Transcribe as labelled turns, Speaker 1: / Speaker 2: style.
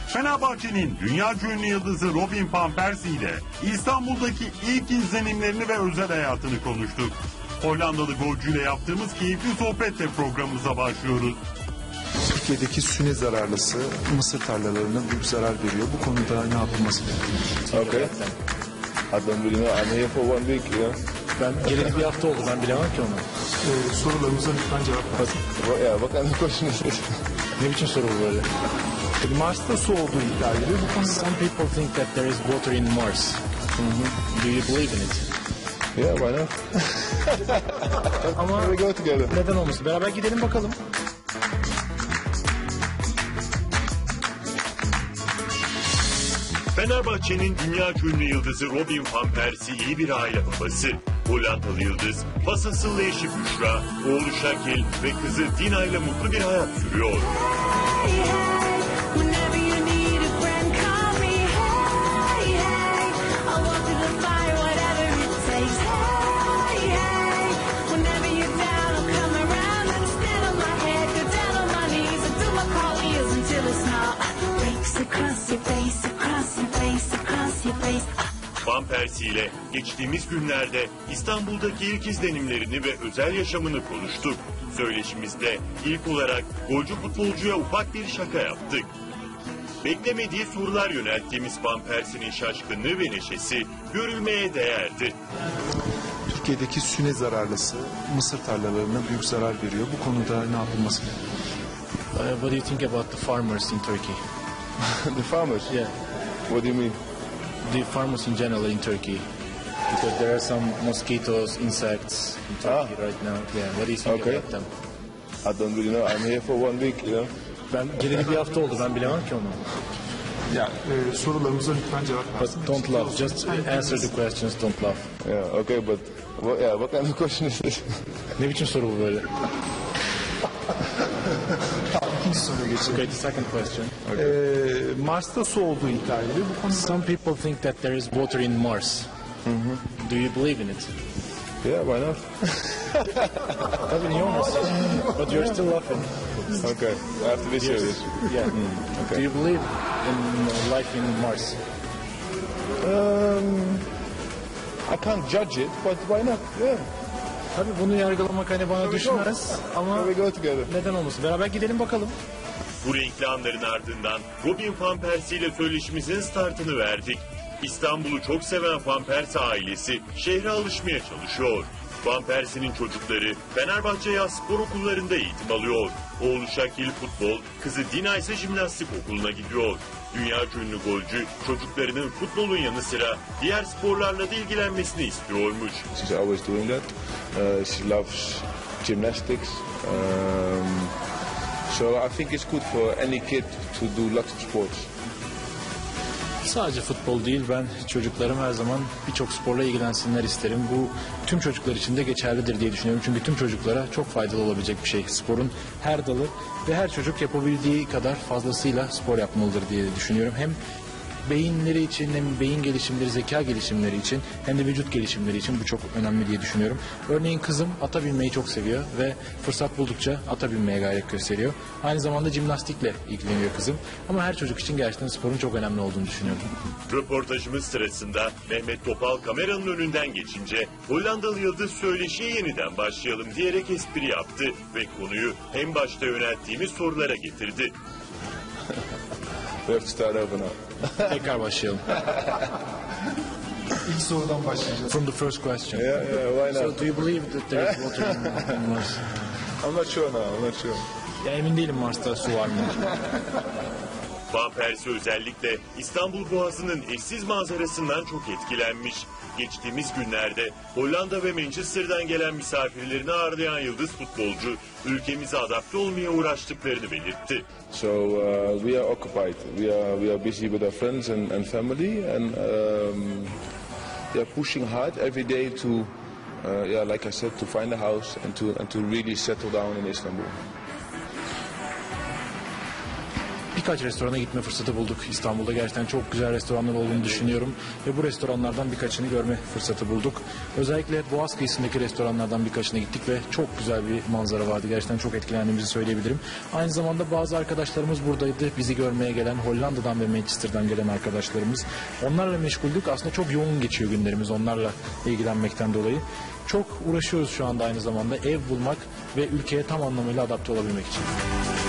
Speaker 1: Fenerbahçe'nin dünyaca ünlü yıldızı Robin van Persie ile İstanbul'daki ilk izlenimlerini ve özel hayatını konuştuk. Hollandalı golcüyle yaptığımız keyifli sohbetle programımıza başlıyoruz.
Speaker 2: Türkiye'deki süne zararlısı mısır tarlalarına büyük zarar veriyor. Bu konuda ne yapılması gerekiyor?
Speaker 3: Okay. I don't really know. I'm here for 1 week. Yeah.
Speaker 4: Ben geleli bir hafta oldu. Ben bilemem ki onu.
Speaker 2: Sorularımıza lütfen cevap versin.
Speaker 3: What kind of question is this?
Speaker 4: Ne biçim soru bu böyle?
Speaker 2: Mars'ta su olduğu iddia ediliyor. Bu konuda
Speaker 4: Some people think that there is water in Mars. Do you believe in it?
Speaker 3: Yeah, why not?
Speaker 4: Ama
Speaker 3: We go together.
Speaker 4: neden olmasın? Beraber gidelim bakalım.
Speaker 1: Fenerbahçe'nin dünyaca ünlü yıldızı Robin van Persie iyi bir aile babası. Hollandalı yıldız, Fasas'ın eşi Büşra, oğlu Şakil ve kızı Dina ile mutlu bir hayat sürüyor. Van Persie ile geçtiğimiz günlerde İstanbul'daki ilk izlenimlerini ve özel yaşamını konuştuk. Söyleşimizde ilk olarak golcü futbolcuya ufak bir şaka yaptık. Beklemediği sorular yönelttiğimiz Van Persie'nin şaşkınlığı ve neşesi görülmeye değerdi.
Speaker 2: Türkiye'deki süne zararlısı mısır tarlalarına büyük zarar veriyor. Bu konuda ne yapılması gerekiyor?
Speaker 4: What do you think about the farmers in Turkey?
Speaker 3: The farmers?
Speaker 4: Yeah,
Speaker 3: What do you mean?
Speaker 4: the farmers in general in Turkey. Because there are some mosquitoes, insects in Turkey right now. Yeah, what do you think
Speaker 3: Okay.
Speaker 4: about them?
Speaker 3: I don't really know. I'm here for 1 week. You know.
Speaker 4: Ben geleli bir hafta oldu. Ben bilemem ki onu.
Speaker 2: Sorularımıza lütfen cevap versin.
Speaker 4: But don't laugh. Just answer the questions. Don't laugh.
Speaker 3: Yeah. Okay, but what kind of question is this?
Speaker 4: Ne biçim soru bu böyle?
Speaker 2: İkinci soruya geçelim.
Speaker 4: Okay, the second question.
Speaker 2: Mars'ta su olduğu iddia ediliyor. Bu konuda
Speaker 4: Some people think that there is water in Mars. Do you believe in it?
Speaker 3: Yeah, why not?
Speaker 4: Tabii niye olmasın? But you're still laughing.
Speaker 3: Okay, I have to be serious.
Speaker 4: Yeah.
Speaker 3: Okay.
Speaker 4: Do you believe in life in Mars?
Speaker 3: I can't judge it, but why not? Yeah.
Speaker 4: Tabii bunu yargılamak hani bana düşmez ama
Speaker 3: We go together.
Speaker 4: neden olmasın? Beraber gidelim bakalım.
Speaker 1: Bu renkli anların ardından Robin van Persie ile söyleşimizin startını verdik. İstanbul'u çok seven Van Persie ailesi şehre alışmaya çalışıyor. Van Persie'nin çocukları Fenerbahçe Yaz Spor Okullarında eğitim alıyor. Oğlu Şakil futbol, kızı Dina ise jimnastik okuluna gidiyor. Dünyaca ünlü golcü çocuklarının futbolun yanı sıra diğer sporlarla da ilgilenmesini istiyormuş.
Speaker 3: She's always doing that. She loves gymnastics. So I think it's good for any kid to do lots of sports.
Speaker 4: Sadece futbol değil, ben çocuklarım her zaman birçok sporla ilgilensinler isterim. Bu tüm çocuklar için de geçerlidir diye düşünüyorum. Çünkü tüm çocuklara çok faydalı olabilecek bir şey. Sporun her dalı ve her çocuk yapabildiği kadar fazlasıyla spor yapmalıdır diye düşünüyorum. Hem beyinleri için hem beyin gelişimleri, zeka gelişimleri için hem de vücut gelişimleri için bu çok önemli diye düşünüyorum. Örneğin kızım ata binmeyi çok seviyor ve fırsat buldukça ata binmeye gayret gösteriyor. Aynı zamanda jimnastikle ilgileniyor kızım. Ama her çocuk için gerçekten sporun çok önemli olduğunu düşünüyorum.
Speaker 1: Röportajımız sırasında Mehmet Topal kameranın önünden geçince Hollandalı yıldız söyleşiye yeniden başlayalım diyerek espri yaptı ve konuyu en başta yönelttiğimiz sorulara getirdi.
Speaker 3: We have to start over now.
Speaker 4: Tekrar başlayalım.
Speaker 2: ilk sorudan başlayacağız.
Speaker 4: From the first question.
Speaker 3: Yeah, why
Speaker 4: So
Speaker 3: not?
Speaker 4: do you believe that there is water in Mars?
Speaker 3: I'm not sure now. I'm not sure.
Speaker 4: Ya emin değilim Mars'ta su var mı?
Speaker 1: Van Persie özellikle İstanbul Boğazı'nın eşsiz manzarasından çok etkilenmiş. Geçtiğimiz günlerde Hollanda ve Manchester'dan gelen misafirlerini ağırlayan yıldız futbolcu ülkemize adapte olmaya uğraştıklarını belirtti.
Speaker 3: So we are occupied. We are busy with our friends and family, and we are pushing hard every day to, like I said, to find a house and to really settle down in Istanbul.
Speaker 4: birkaç restorana gitme fırsatı bulduk. İstanbul'da gerçekten çok güzel restoranlar olduğunu düşünüyorum ve bu restoranlardan birkaçını görme fırsatı bulduk. Özellikle Boğaz kıyısındaki restoranlardan birkaçına gittik ve çok güzel bir manzara vardı. Gerçekten çok etkilendiğimizi söyleyebilirim. Aynı zamanda bazı arkadaşlarımız buradaydı. Bizi görmeye gelen Hollanda'dan ve Manchester'dan gelen arkadaşlarımız. Onlarla meşguldük. Aslında çok yoğun geçiyor günlerimiz onlarla ilgilenmekten dolayı. Çok uğraşıyoruz şu anda aynı zamanda ev bulmak ve ülkeye tam anlamıyla adapte olabilmek için.